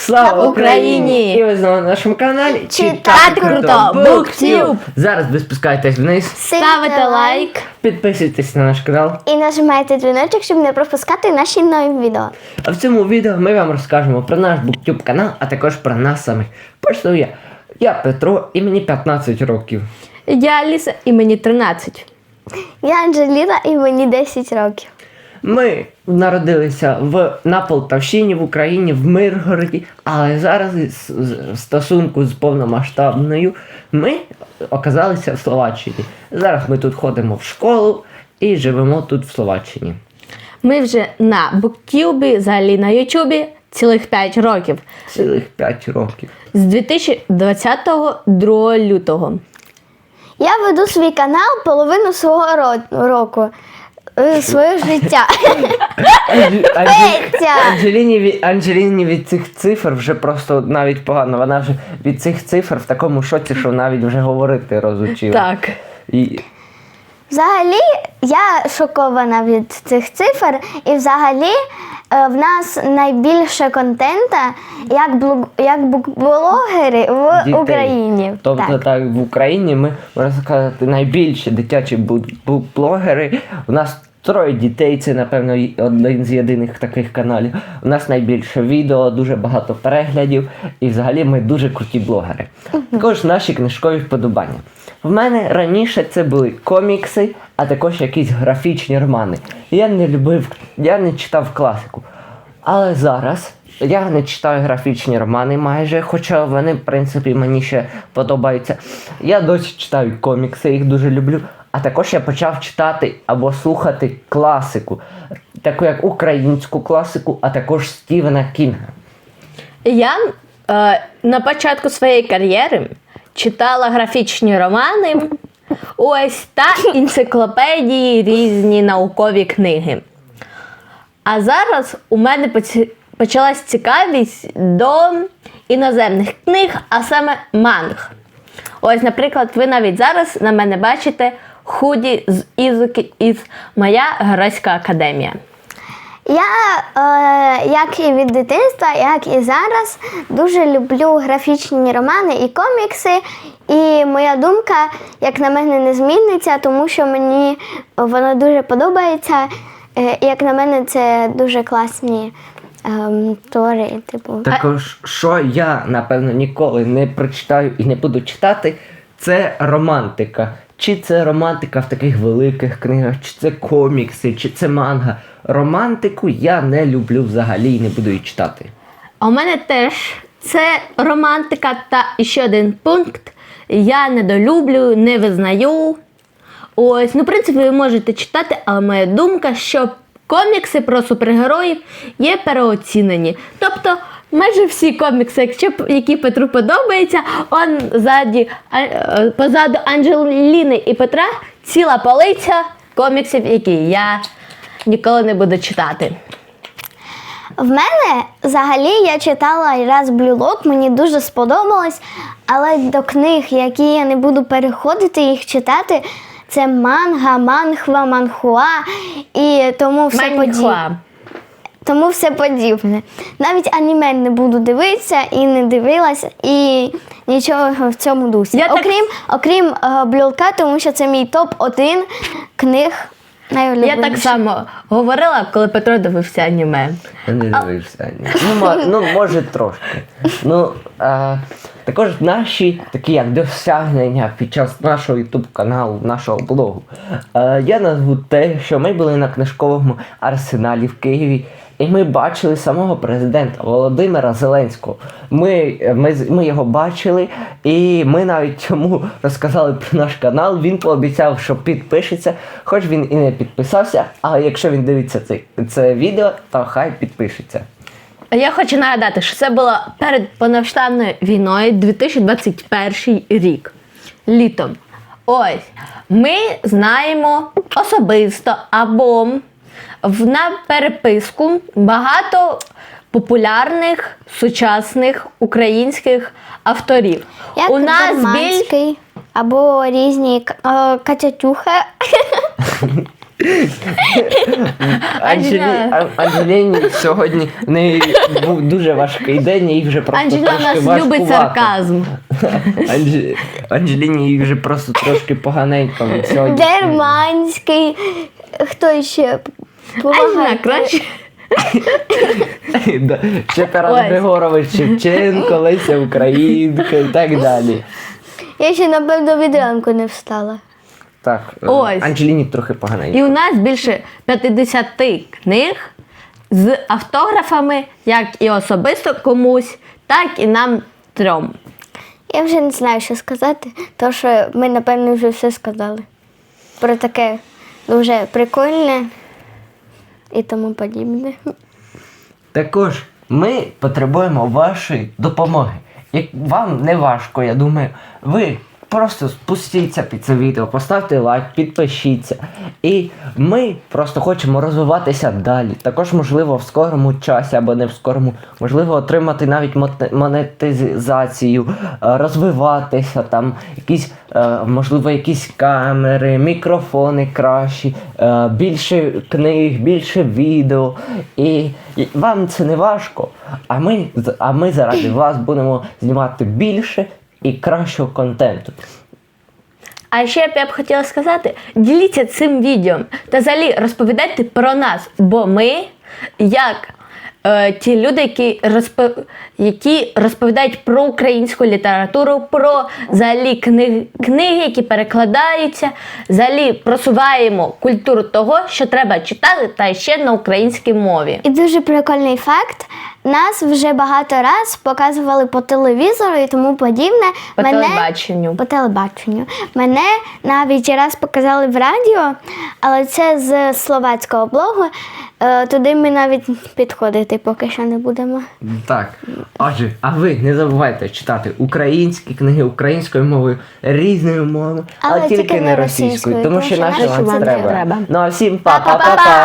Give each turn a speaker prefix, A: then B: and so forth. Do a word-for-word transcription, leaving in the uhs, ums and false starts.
A: Слава Україні! І ви знову на нашому каналі
B: Читати круто! BookTube!
A: Зараз ви спускаєтесь вниз,
B: Ставите лайк
A: підписуйтесь на наш канал.
B: і нажимайте дзвіночок, щоб не пропускати наші нові відео.
A: А в цьому відео ми вам розкажемо про наш BookTube канал, а також про нас самих. Почну я. Я Петро і мені п'ятнадцять років.
C: Я Аліса і мені тринадцять.
B: Я Анжеліна і мені десять років.
A: Ми народилися в, на Полтавщині, в Україні, в Миргороді, але зараз із- в стосунку з повномасштабною ми оказалися в Словаччині. Зараз ми тут ходимо в школу і живемо тут в Словаччині.
C: Ми вже на BookTube, взагалі на Ютубі, цілих п'ять років.
A: Цілих п'ять років.
C: З дві тисячі двадцятого другого лютого.
B: Я веду свій канал половину свого ро- року. е, Своє життя.
A: Анж- Анж-
B: Петя!
A: Анжеліні, від- Анжеліні від цих цифр вже просто навіть погано. Вона вже від цих цифр в такому шоці, що навіть вже говорити розучила.
C: Так.
A: І
B: Взагалі, я шокована від цих цифр, і взагалі е, в нас найбільше контента як, блог, як букблогери в
A: дітей.
B: Україні.
A: Тобто так.
B: Так.
A: в Україні ми, можна сказати, найбільші дитячі бу- бу- блогери. У нас троє дітей, це, напевно, й- один з єдиних таких каналів. У нас найбільше відео, дуже багато переглядів, і взагалі ми дуже круті блогери. Також наші книжкові вподобання. В мене раніше це були комікси, а також якісь графічні романи. Я не любив, я не читав класику. Але зараз я не читаю графічні романи майже, хоча вони, в принципі, мені ще подобаються. Я досі читаю комікси, їх дуже люблю. А також я почав читати або слухати класику, таку як українську класику, а також Стівена Кінга.
C: Я е, на початку своєї кар'єри читала графічні романи, ось та енциклопедії, різні наукові книги. А зараз у мене поці- почалась цікавість до іноземних книг, а саме манг. Ось, наприклад, ви навіть зараз на мене бачите худі з Ізуки із «Моя геройська академія».
B: Я, е, як і від дитинства, як і зараз, дуже люблю графічні романи і комікси. І моя думка, як на мене, не зміниться, тому що мені воно дуже подобається. Е, і, як на мене, це дуже класні ем, твори. Типу.
A: Також, що я, напевно, ніколи не прочитаю і не буду читати, це романтика. Чи це романтика в таких великих книгах, чи це комікси, чи це манга. Романтику я не люблю взагалі і не буду її читати.
C: А у мене теж це романтика та ще один пункт. Я недолюблю, не визнаю. Ось, ну, в принципі, ви можете читати, але моя думка, що комікси про супергероїв є переоцінені. Тобто, майже всі комікси, якщо, п- які Петру подобаються, он ззаді, а, е, позаду Анжеліни і Петра ціла полиця коміксів, які я ніколи не буду читати.
B: В мене взагалі я читала раз Blue Lock, мені дуже сподобалось, але до книг, які я не буду переходити їх читати, це манга, манхва, манхуа і тому все подібне.
C: Маньхуа.
B: Тому все подібне. Навіть аніме не буду дивитися і не дивилася, і нічого в цьому дусі.
C: Я так-
B: окрім окрім е, Blue Lock, тому що це мій топ один книг
C: Я
B: найулюбленіших.
C: так само говорила, коли Петро дивився аніме.
A: Я не дивився. ні. Ну, ма- ну, може, трошки. Ну, а, також наші такі як досягнення під час нашого ютуб каналу, нашого блогу. А, я назву те, що ми були на книжковому арсеналі в Києві, і ми бачили самого президента Володимира Зеленського. Ми, ми, з- ми його бачили, і ми навіть йому розказали про наш канал. Він пообіцяв, що підпишеться, хоч він і не підписався, але якщо він дивиться це, це відео, то хай підпишеться.
C: Я хочу нагадати, що це було перед повномасштабною війною дві тисячі двадцять перший рік. Літом. Ось. Ми знаємо особисто або в- на переписку багато популярних сучасних українських авторів.
B: Як
C: У нас більш
B: Дерманський, або різні К- е, Катятюха.
A: Анджелі...
C: Анджела.
A: А- Анджеліні сьогодні в неї був дуже важкий день, їй вже просто
C: Анджела
A: трошки
C: нас любить
A: важкувато.
C: сарказм.
A: Анж... Анджеліні їй вже просто трошки поганенько від сьогодні.
B: Дерманський. Хто ще
C: Анджела
B: помагає?
C: краще.
A: Да. Ще Тарас
C: Ось.
A: Григорович Шевченко, Леся Українка і так далі.
B: Я ще, напевно, від ранку не встала.
A: Так, е,
C: Ось.
A: Анджеліні трохи поганенько.
C: І у нас більше п'ятдесят книг з автографами, як і особисто комусь, так і нам трьом.
B: Я вже не знаю, що сказати, тому що ми, напевно, вже все сказали. Про таке дуже прикольне і тому подібне.
A: Також ми потребуємо вашої допомоги. Як вам не важко, я думаю, ви просто спустіться під це відео, поставте лайк, підпишіться. І ми просто хочемо розвиватися далі. Також, можливо, в скорому часі або не в скорому, можливо, отримати навіть моте- монетизацію, е, розвиватися, там якісь, е, можливо, якісь камери, мікрофони кращі, е, більше книг, більше відео. І, і вам це не важко, а ми, з- а ми заради вас будемо знімати більше і кращого контенту.
C: А ще б я б хотіла сказати, діліться цим відео та взагалі розповідайте про нас, бо ми, як е, ті люди, які, розпо... які розповідають про українську літературу, про взагалі книги, книги, які перекладаються, взагалі просуваємо культуру того, що треба читати, та ще на українській мові.
B: І дуже прикольний факт. Нас вже багато раз показували по телевізору і тому подібне.
C: По телебаченню.
B: По телебаченню. Мене навіть раз показали в радіо, але це з словацького блогу. Е, Туди ми навіть підходити поки що не будемо.
A: Так, отже, а ви не забувайте читати українські книги українською мовою, різною мовою, але,
B: Але
A: тільки
B: тільки
A: не
B: не
A: російською,
B: російською,
A: тому що
B: тому що
A: наша
B: наша
A: вам
C: вам не
A: треба.
C: треба.
A: Ну а всім
B: Па-па-па-па!
A: па-па-па-па!